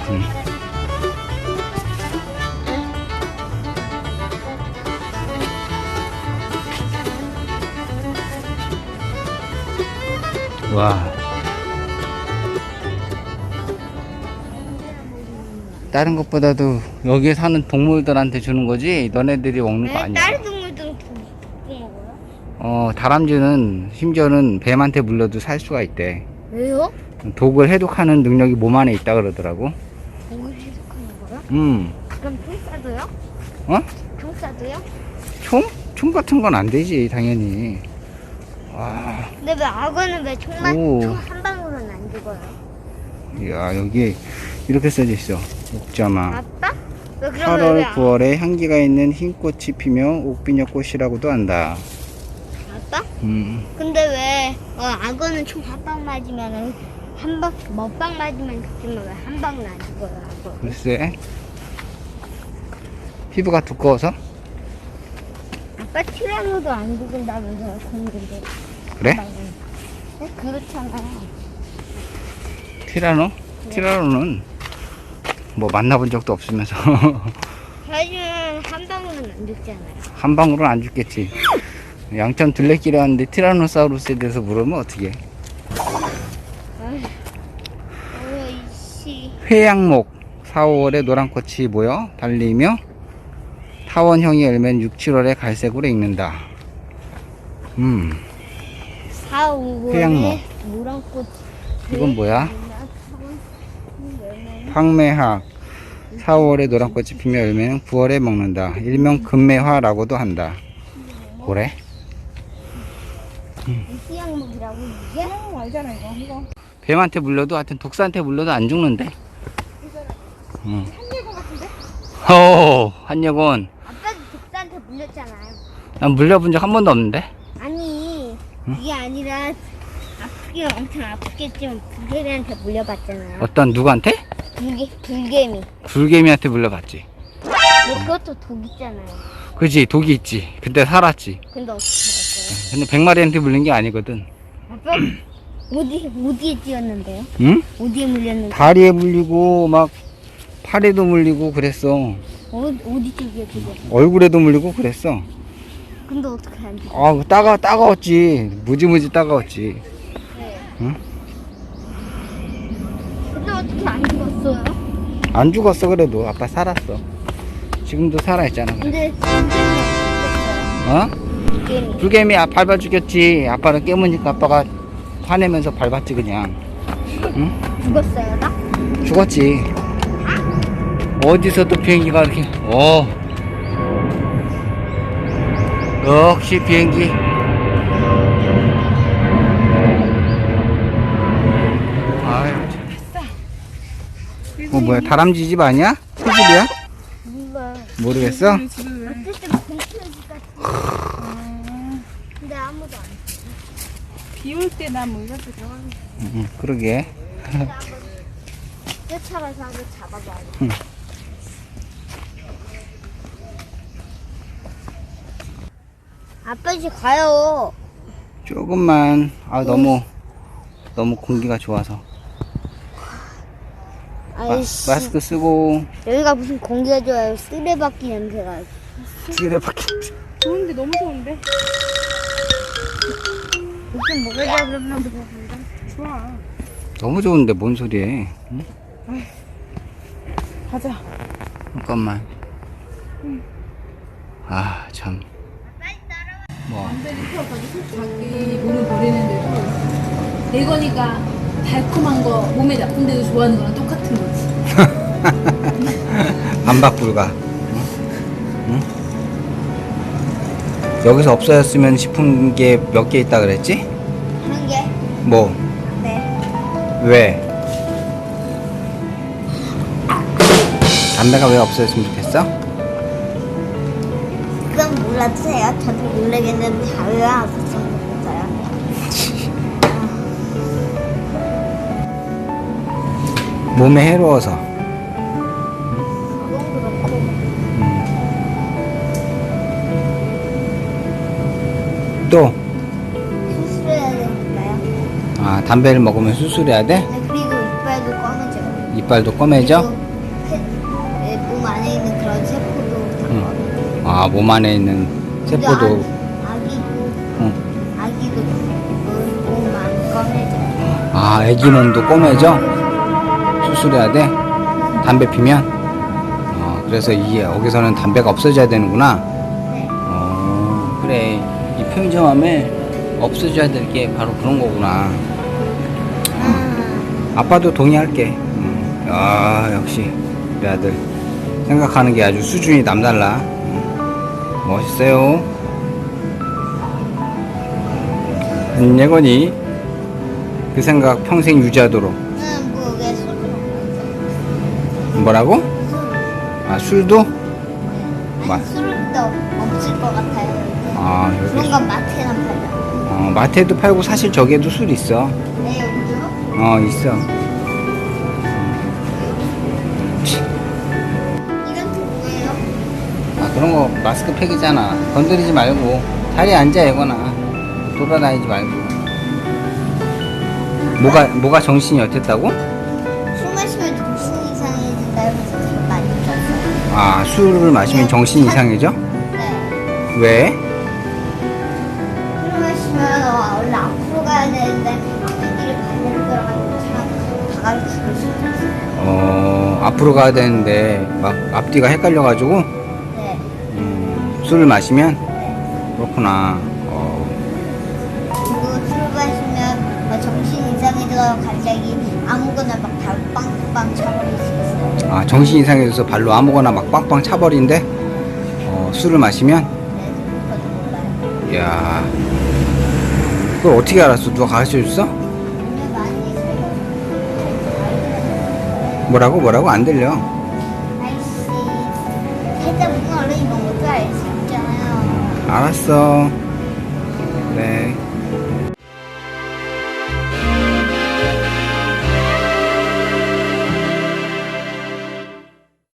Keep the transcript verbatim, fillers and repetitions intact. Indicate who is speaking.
Speaker 1: 음. 와. 다른 것보다도 여기에 사는 동물들한테 주는 거지 너네들이 먹는 거
Speaker 2: 왜
Speaker 1: 아니야.
Speaker 2: 다른 동물들은 도 먹고 먹어요?
Speaker 1: 어, 다람쥐는 심지어는 뱀한테 물려도 살 수가 있대.
Speaker 2: 왜요?
Speaker 1: 독을 해독하는 능력이 몸 안에 있다 그러더라고.
Speaker 2: 독을 해독하는 거요?
Speaker 1: 음.
Speaker 2: 그럼 총 쏴도요?
Speaker 1: 어?
Speaker 2: 총 쏴도요?
Speaker 1: 총? 총 같은 건 안 되지, 당연히. 와.
Speaker 2: 근데 왜 악어는 왜 총만
Speaker 1: 오.
Speaker 2: 총 한 방으로는 안 죽어요?
Speaker 1: 이야, 여기 이렇게 써져 있어. 옥자마.
Speaker 2: 아빠? 왜 그러면 왜
Speaker 1: 팔월,
Speaker 2: 악-
Speaker 1: 구월에 향기가 있는 흰 꽃이 피며 옥비녀 꽃이라고도 한다.
Speaker 2: 아빠?
Speaker 1: 음.
Speaker 2: 근데 왜 어, 악어는 총 한 방 맞으면은 한 방, 먹방 맞으면 죽지만 왜 한 방은 안 죽어요, 악어?
Speaker 1: 글쎄. 피부가 두꺼워서?
Speaker 2: 아빠 티라노도 안 죽은다면서요, 근데.
Speaker 1: 그래?
Speaker 2: 네? 그렇잖아요.
Speaker 1: 티라노? 티라노는 뭐 만나본 적도 없으면서
Speaker 2: 하지만 한 방울은 안 죽잖아요.
Speaker 1: 한 방울은 안 죽겠지. 양천 둘레길에 왔는데 티라노사우루스에 대해서 물으면 어떻게?
Speaker 2: 어이씨.
Speaker 1: 회양목 사, 오월에 노란 꽃이 모여 달리며 타원형이 열면 육, 칠월에 갈색으로 익는다. 음,
Speaker 2: 사, 오월에
Speaker 1: 회양목.
Speaker 2: 노란 꽃.
Speaker 1: 이건 뭐야? 황매학 사, 오월에 노란 꽃이 피며 열매는 구월에 먹는다. 일명 금매화라고도 한다. 뭐래?
Speaker 2: 희양목이라고 이게?
Speaker 3: 어, 알잖아 이거. 이거
Speaker 1: 뱀한테 물려도 하여튼 독사한테 물려도 안 죽는데. 응.
Speaker 3: 한예고 같은데?
Speaker 1: 어, 한여곤.
Speaker 2: 아빠도 독사한테 물렸잖아요.
Speaker 1: 난 물려본 적 한 번도 없는데.
Speaker 2: 아니 이게 아니라 아프긴 엄청 아프겠지만 불개미한테 물려봤잖아요.
Speaker 1: 어떤 누구한테?
Speaker 2: 불개, 불개미.
Speaker 1: 불개미한테 물려봤지.
Speaker 2: 근데 그것도 독 있잖아요.
Speaker 1: 그지, 독이 있지. 그때 살았지.
Speaker 2: 근데 어떻게 알았어요?
Speaker 1: 근데 백마리한테 물린 게 아니거든.
Speaker 2: 아빠 어디 어디에 찧었는데요?
Speaker 1: 응?
Speaker 2: 어디에 물렸는데?
Speaker 1: 다리에 물리고 막 팔에도 물리고 그랬어.
Speaker 2: 어, 어디 쪽이에 찧었어?
Speaker 1: 얼굴에도 물리고 그랬어.
Speaker 2: 근데 어떻게 안 죽어?
Speaker 1: 아, 따가 따가웠지. 무지무지 따가웠지.
Speaker 2: 네.
Speaker 1: 응?
Speaker 2: 근데 어떻게 안 죽었어요?
Speaker 1: 안 죽었어 그래도 아빠 살았어. 지금도 살아있잖아. 그래.
Speaker 2: 근데 불개미
Speaker 1: 어?
Speaker 2: 불개미.
Speaker 1: 불개미 아, 밟아 죽였지. 아빠는 깨무니까 아빠가 화내면서 밟았지 그냥. 응?
Speaker 2: 죽었어요, 나?
Speaker 1: 죽었지. 어디서 또 비행기가 이렇게 어 역시 비행기. 아유 참. 어 뭐야 다람쥐 집 아니야? 새 집이야?
Speaker 2: 몰라.
Speaker 1: 모르겠어?
Speaker 3: 우리 집을 왜?
Speaker 2: 어쨌든 공포의 집 같은. 근데 아무도 안.
Speaker 3: 비올 때 나 뭐 이럴 때 들어가고.
Speaker 1: 응, 응, 그러게.
Speaker 2: 쫓아가서 한번 잡아봐야 돼.
Speaker 1: 응.
Speaker 2: 아빠 이제 가요.
Speaker 1: 조금만. 아 너무 너무 공기가 좋아서. 마,
Speaker 2: 아이씨.
Speaker 1: 마스크 쓰고
Speaker 2: 여기가 무슨 공기가 좋아요. 쓰레받기 냄새가.
Speaker 1: 쓰레받기.
Speaker 3: 좋은데 너무 좋은데?
Speaker 2: 무슨 먹으자 그러면 무슨
Speaker 3: 좋아.
Speaker 1: 너무 좋은데 뭔 소리해? 응?
Speaker 3: 가자.
Speaker 1: 잠깐만. 아 참. 뭐
Speaker 4: 남들이 키워가지고 자기 몸을 버리는데도 내 거니까 달콤한 거 몸에 나쁜데도 좋아하는 거랑 똑같은 거지.
Speaker 1: 반박 불가. 응? 응? 여기서 없어졌으면 싶은 게 몇 개 있다 그랬지?
Speaker 2: 한 개.
Speaker 1: 뭐?
Speaker 2: 네.
Speaker 1: 왜? 담배가 왜 없어졌으면 좋겠어?
Speaker 2: 그건 몰라도 돼요. 저도 모르겠는데 자유가 없었으면 좋겠어요.
Speaker 1: 몸에 해로워서.
Speaker 2: 그건 그렇고.
Speaker 1: 또,
Speaker 2: 수술해야 되니까요.
Speaker 1: 아, 담배를 먹으면 수술해야 돼?
Speaker 2: 네, 그리고 이빨도 검은져요.
Speaker 1: 이빨도 검해져?
Speaker 2: 그리고 몸 안에 있는 그런 세포도 다
Speaker 1: 응.
Speaker 2: 검해져.
Speaker 1: 아, 몸 안에 있는 세포도.
Speaker 2: 아기, 아기도
Speaker 1: 응.
Speaker 2: 아기도 몸안 검해져.
Speaker 1: 아, 애기 몸도 검해져? 수술해야 돼? 담배 피면? 어, 그래서 이 여기서는 담배가 없어져야 되는구나.
Speaker 2: 네.
Speaker 1: 어, 그래. 이 편의점함에 없어져야 될 게 바로 그런 거구나.
Speaker 2: 아,
Speaker 1: 아빠도 동의할게. 음. 아, 역시 우리 아들 생각하는 게 아주 수준이 남달라. 음. 멋있어요. 안예건이 그 생각 평생 유지하도록.
Speaker 2: 응, 뭐왜 술을 먹는
Speaker 1: 뭐라고? 아, 술도? 마-
Speaker 2: 아니, 술도 없을 것 같아요.
Speaker 1: 아,
Speaker 2: 그런
Speaker 1: 여기
Speaker 2: 건 마트에나 팔자.
Speaker 1: 어, 마트에도 팔고 사실 저기에도 술 있어.
Speaker 2: 네, 여기요?
Speaker 1: 어, 있어.
Speaker 2: 이건 또 뭐예요?
Speaker 1: 아, 그런 거 마스크팩이잖아. 건드리지 말고 자리에 앉아, 예거나. 돌아다니지 말고. 뭐가 뭐가 정신이 어땠다고?
Speaker 2: 술 마시면 정신 이상해진다 해서 되게 많이 들었어요.
Speaker 1: 아, 술을 마시면 정신이 이상해져?
Speaker 2: 네.
Speaker 1: 왜?
Speaker 2: 술 마시면 어, 원래 앞으로 가야 되는데 앞뒤를 반대로 들어가는 차다 가르치고 싶었어요.
Speaker 1: 어, 앞으로 가야 되는데 막 앞뒤가 헷갈려가지고
Speaker 2: 네.
Speaker 1: 음, 술을 마시면
Speaker 2: 네.
Speaker 1: 그렇구나. 어,
Speaker 2: 그리고 술 마시면 어, 정신 이상해져서 갑자기 아무거나 막 발 빵빵 차버릴 수 있어요.
Speaker 1: 아, 정신 이상해져서 발로 아무거나 막 빵빵 차버린대? 어, 술을 마시면?
Speaker 2: 네, 그것도 몰라요.
Speaker 1: 이야, 그걸 어떻게 알았어? 누가 가르쳐줬어?
Speaker 2: 오늘 많이 술
Speaker 1: 뭐라고 뭐라고 안 들려.
Speaker 2: 아이씨, 살짝 문어 얼른 이런 것도 알 수 있잖아요.
Speaker 1: 알았어. 네.